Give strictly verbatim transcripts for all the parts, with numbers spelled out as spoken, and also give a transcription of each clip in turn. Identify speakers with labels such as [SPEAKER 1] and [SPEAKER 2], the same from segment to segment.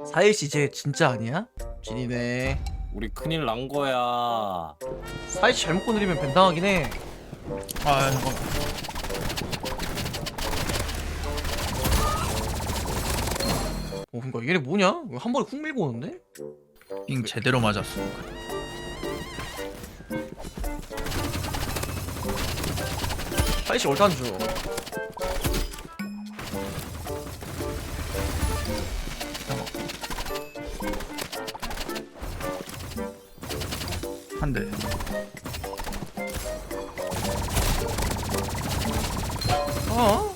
[SPEAKER 1] 사일씨 쟤 진짜 아니야? 진이네.
[SPEAKER 2] 우리 큰일 난 거야.
[SPEAKER 1] 사일씨 잘못 건드리면 벤당하긴 해.
[SPEAKER 3] 아 잠깐.
[SPEAKER 1] 어 그니까 얘네 뭐냐? 이거 한 번에 훅 밀고 오는데?
[SPEAKER 3] 빙 제대로 맞았어.
[SPEAKER 1] 사일씨 얼탄 줘.
[SPEAKER 3] 한 대.
[SPEAKER 1] 어?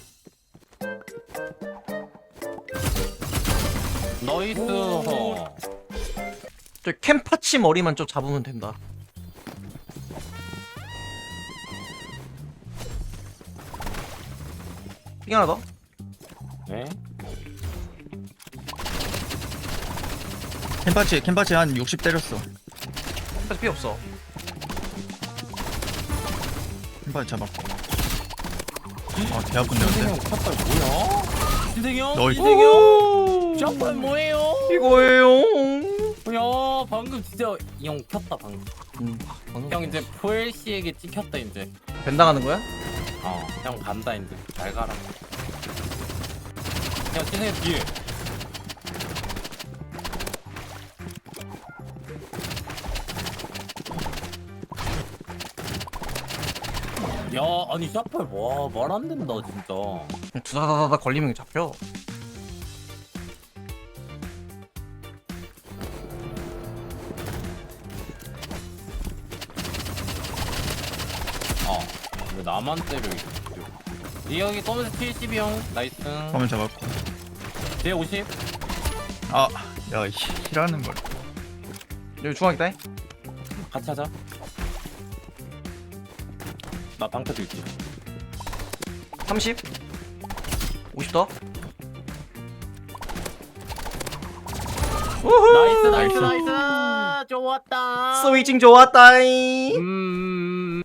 [SPEAKER 2] 너이스 허.
[SPEAKER 1] 저 캠파치 머리만 좀 잡으면 된다. 삥 하나 더?
[SPEAKER 2] 네?
[SPEAKER 3] 캠파치 캠파치 한 육십 때렸어.
[SPEAKER 1] 캠파치 피 없어.
[SPEAKER 3] 캠파치 잡았고. 아 개 아픈데 근데.
[SPEAKER 2] 신생형 샷발 뭐야? 신생형?
[SPEAKER 3] 너이-
[SPEAKER 2] 신생형? 샷발 뭐예요?
[SPEAKER 1] 이거예요.
[SPEAKER 2] 야 방금 진짜 이 형 켰다 방금.
[SPEAKER 1] 음,
[SPEAKER 2] 형 이제 포엘씨에게 찍혔다 이제.
[SPEAKER 1] 벤당하는 거야?
[SPEAKER 2] 어형 간다 이제. 잘 가라. 야 신생형 뒤에. 야 아니 샷발 와말 안 된다 진짜.
[SPEAKER 1] 두다다다다 걸리면 잡혀.
[SPEAKER 2] 어. 왜 나만 때려 이 형이 검은색 칠십이 형 나이스.
[SPEAKER 3] 화면 잡았고.
[SPEAKER 2] 뒤에 오십.
[SPEAKER 3] 아, 야, 힐하는 걸.
[SPEAKER 1] 여기 중앙이다.
[SPEAKER 2] 같이 하자. 나 방패도 있지.
[SPEAKER 1] 삼십. 오십 더.
[SPEAKER 2] 나이스 나이스
[SPEAKER 3] 나이스.
[SPEAKER 2] 나이스 좋았다.
[SPEAKER 1] 스위칭 좋았다잉.
[SPEAKER 2] 음.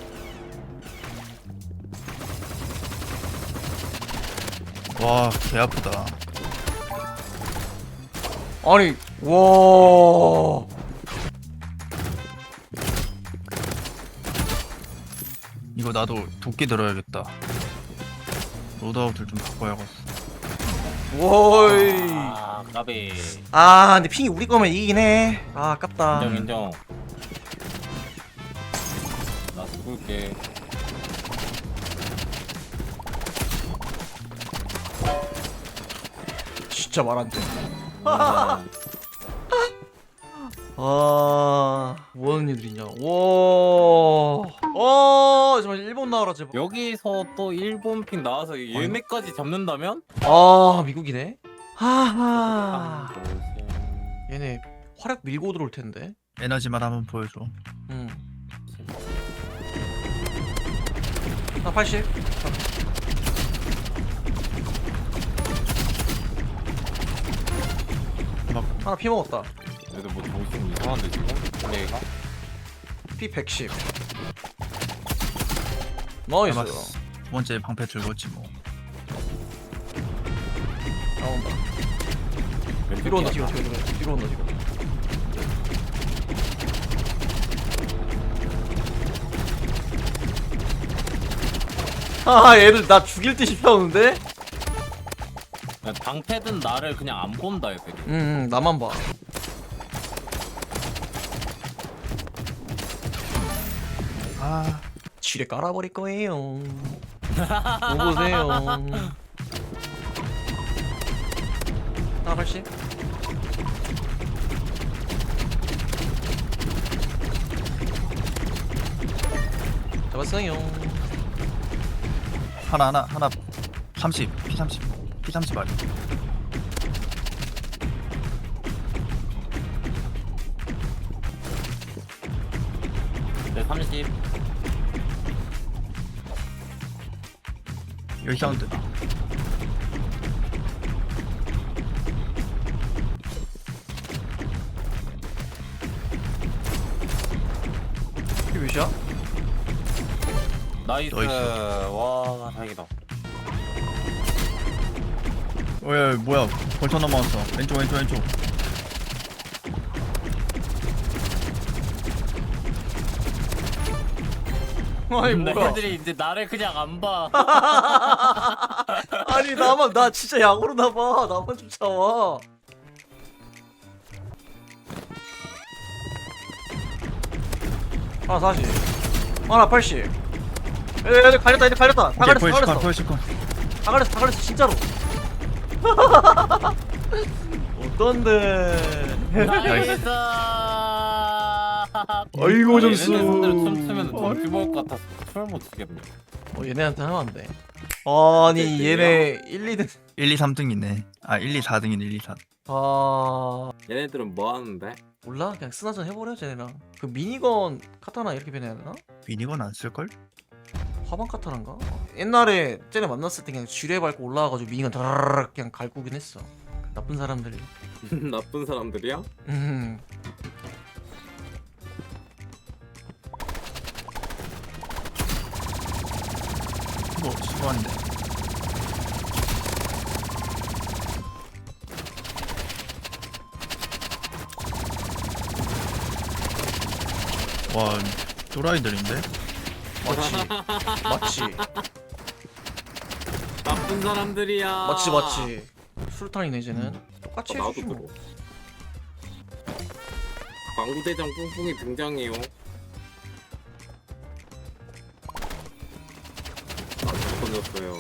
[SPEAKER 3] 와, 개 아프다.
[SPEAKER 1] 아니, 와.
[SPEAKER 3] 이거 나도 도끼 들어야겠다. 로드아웃을 좀 바꿔야겠어.
[SPEAKER 1] 워이.
[SPEAKER 2] 아 까비.
[SPEAKER 1] 아, 근데 핑이 우리 거면 이기긴 해. 아, 아깝다.
[SPEAKER 2] 인정 인정. 나 죽을게.
[SPEAKER 1] 진짜 말 안 돼.
[SPEAKER 2] 아,
[SPEAKER 1] 아, 뭐하는 일들이냐. 와. 어, 정말 일본 나와라 제발.
[SPEAKER 2] 여기서 또 일본 픽 나와서 얘네까지 잡는다면?
[SPEAKER 1] 아, 미국이네. 하하. 얘네 활약 밀고 들어올 텐데.
[SPEAKER 3] 에너지만 한번 보여줘.
[SPEAKER 1] 응. 나 팔십.
[SPEAKER 3] 막
[SPEAKER 1] 하나 피 먹었다.
[SPEAKER 2] 얘들 뭐 정신 이상한데 지금? 얘가?
[SPEAKER 1] 피 백십. 나이스.
[SPEAKER 3] 잡았어. 두 번째 방패 들고지 뭐.
[SPEAKER 1] 나온다. 뒤로 온다 뒤로 뒤로 뒤로 뒤로 온다 뒤로. 아, 얘들 나 죽일 듯이 펴오는데?
[SPEAKER 2] 야, 방패든 나를 그냥 안 본다 얘들이.
[SPEAKER 1] 응, 응, 나만 봐.
[SPEAKER 3] 아,
[SPEAKER 1] 지뢰 깔아버릴 거예요. 오보세요. 하나 팔십. 잡았어요.
[SPEAKER 3] 하나 하나 하나 삼십, 피 삼십, 피 삼십 아니.
[SPEAKER 2] 네 삼십.
[SPEAKER 3] 여기 사운드.
[SPEAKER 1] 이게 몇이야?
[SPEAKER 2] 나이스.
[SPEAKER 3] 나이스.
[SPEAKER 2] 와 다행이다.
[SPEAKER 3] 왜 뭐야 벌써 넘어왔어. 왼쪽 왼쪽 왼쪽.
[SPEAKER 1] 아니 뭐야?
[SPEAKER 2] 애들이 이제 나를 그냥 안 봐.
[SPEAKER 1] 아니 나만 나 진짜 약오로 나봐. 나만 쫓아와. 하나 사십. 하나 팔십. 에에 갈렸다 이제 갈렸다. 다 갈렸어 다
[SPEAKER 3] 포에시컨
[SPEAKER 1] 갈렸어.
[SPEAKER 3] 포에시컨.
[SPEAKER 1] 다 갈렸어 다 갈렸어 진짜로. 어떤데?
[SPEAKER 2] 나이스.
[SPEAKER 1] 아이고, 점수.
[SPEAKER 2] 얘네 손대로 춤추면 정지 먹을 것 같아서 춤을 못 추겠네.
[SPEAKER 1] 어 얘네한테 하면 안 돼. 아니 얘네 일, 이 등.
[SPEAKER 3] 일, 이, 삼 등이네. 아 일, 이, 사 등이네. 일, 이, 사.
[SPEAKER 1] 아
[SPEAKER 2] 얘네들은 뭐 하는데?
[SPEAKER 1] 몰라 그냥 스나전 해버려 쟤네랑. 그 미니건 카타나 이렇게 변해야 되나?
[SPEAKER 3] 미니건 안 쓸걸?
[SPEAKER 1] 화방 카타란가? 옛날에 쟤네 만났을 때 그냥 지뢰 밟고 올라와가지고 미니건 다라락 그냥 갈구긴 했어. 그 나쁜 사람들이.
[SPEAKER 2] 나쁜 사람들이야?
[SPEAKER 1] 음.
[SPEAKER 3] 뭐 수고한데. 와 또라이들인데?
[SPEAKER 1] 맞지 맞지
[SPEAKER 2] 나쁜 사람들이야.
[SPEAKER 1] 맞지 맞지. 술탄이네 쟤는. 똑같이
[SPEAKER 2] 아, 나도
[SPEAKER 1] 해주지
[SPEAKER 2] 들어.
[SPEAKER 1] 뭐.
[SPEAKER 2] 광구대장 뿡뿡이 등장해요. 아, 잘 던졌어요.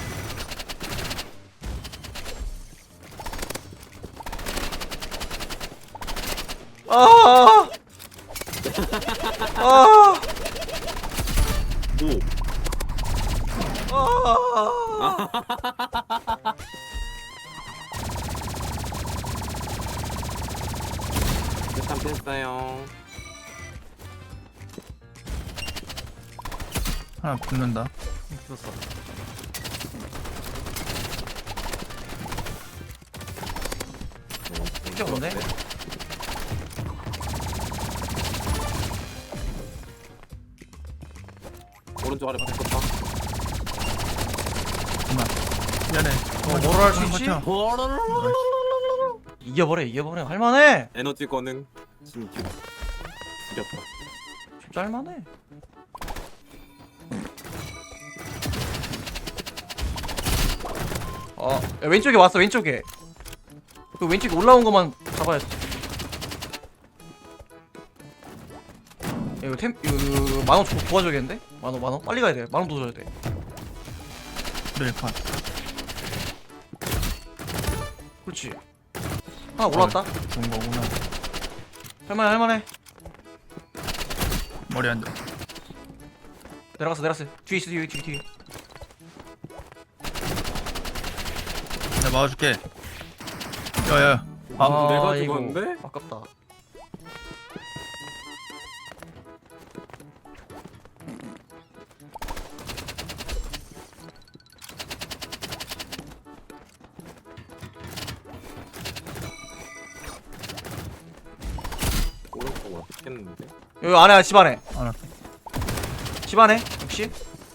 [SPEAKER 1] 아! 아!
[SPEAKER 2] 오.
[SPEAKER 1] 아!
[SPEAKER 2] 일단 뺐어요.
[SPEAKER 3] 하나 붙는다.
[SPEAKER 1] 죽었어. 이게 없네?
[SPEAKER 2] 오른쪽 아래 붙었다.
[SPEAKER 3] 그만. 미안해.
[SPEAKER 1] 어, 뭐를 할수 있지?
[SPEAKER 3] 버텨.
[SPEAKER 1] 이겨버려 이겨버려 할만해.
[SPEAKER 2] 에너지 거는 진규. 죽였다.
[SPEAKER 1] 진짜 할만해. 어 야, 왼쪽에 왔어 왼쪽에. 그 왼쪽에 올라온 것만 잡아야지. 야, 이거 템 이거, 이거, 이거 만원 줘 도와줘야겠는데? 만원 만원 빨리 가야 돼. 만원 도와줘야 돼.
[SPEAKER 3] 네, 컷.
[SPEAKER 1] 그렇지. 하나 올라왔다.
[SPEAKER 3] 좋은 거구나.
[SPEAKER 1] 할만해 할만해.
[SPEAKER 3] 머리 안 돼.
[SPEAKER 1] 내려갔어 내려갔어. 뒤에 있어 뒤에 뒤에 뒤에.
[SPEAKER 3] 내가 막아줄게. 야야.
[SPEAKER 2] 아, 내가
[SPEAKER 1] 이거
[SPEAKER 2] 죽었는데?
[SPEAKER 1] 아깝다.
[SPEAKER 2] 오른쪽 왔겠는데?
[SPEAKER 1] 여기 안에 집 안에
[SPEAKER 3] 하나.
[SPEAKER 1] 집 안에 역시.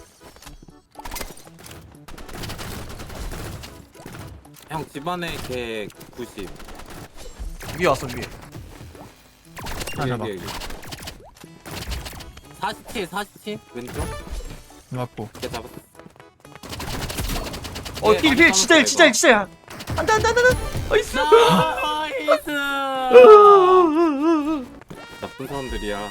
[SPEAKER 2] 형 집안에 걔 구십.
[SPEAKER 1] 위에 왔어 위에.
[SPEAKER 3] 하나 잡아.
[SPEAKER 2] 사십칠 사십칠 왼쪽.
[SPEAKER 3] 맞고.
[SPEAKER 2] 걔 잡았어.
[SPEAKER 1] 어
[SPEAKER 2] 예,
[SPEAKER 1] 필
[SPEAKER 2] 많이
[SPEAKER 1] 필 진짜
[SPEAKER 2] 참았다,
[SPEAKER 1] 진짜
[SPEAKER 2] 이거.
[SPEAKER 1] 진짜. 안돼 안돼 안돼 안돼. 어이스.
[SPEAKER 2] 나이스. 나쁜 사람들이야.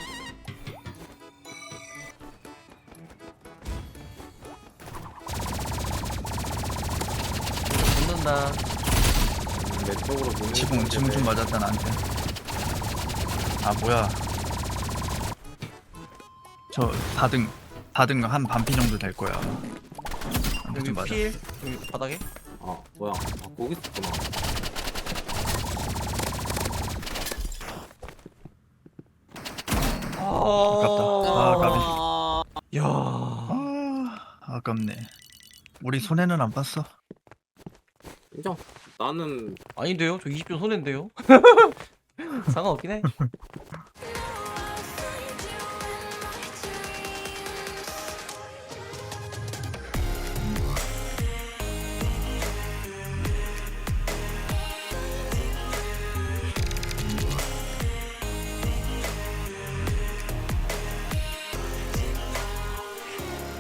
[SPEAKER 1] 붙는다.
[SPEAKER 2] 내 쪽으로 보는
[SPEAKER 3] 지붕 지붕 좀 맞았다 나한테. 아 뭐야. 저 사 등 사 등 한 반피 정도 될 거야. 한대
[SPEAKER 1] 여기
[SPEAKER 3] 좀 맞아.
[SPEAKER 1] 필 여기 바닥에.
[SPEAKER 2] 아 뭐야? 아 거기 있었구나.
[SPEAKER 1] 아,
[SPEAKER 3] 까비.
[SPEAKER 1] 야.
[SPEAKER 3] 아 아깝네. 우리 손해는 안 봤어.
[SPEAKER 2] 인정. 나는
[SPEAKER 1] 아닌데요? 저 이십 점 손해인데요? 상관없긴 해.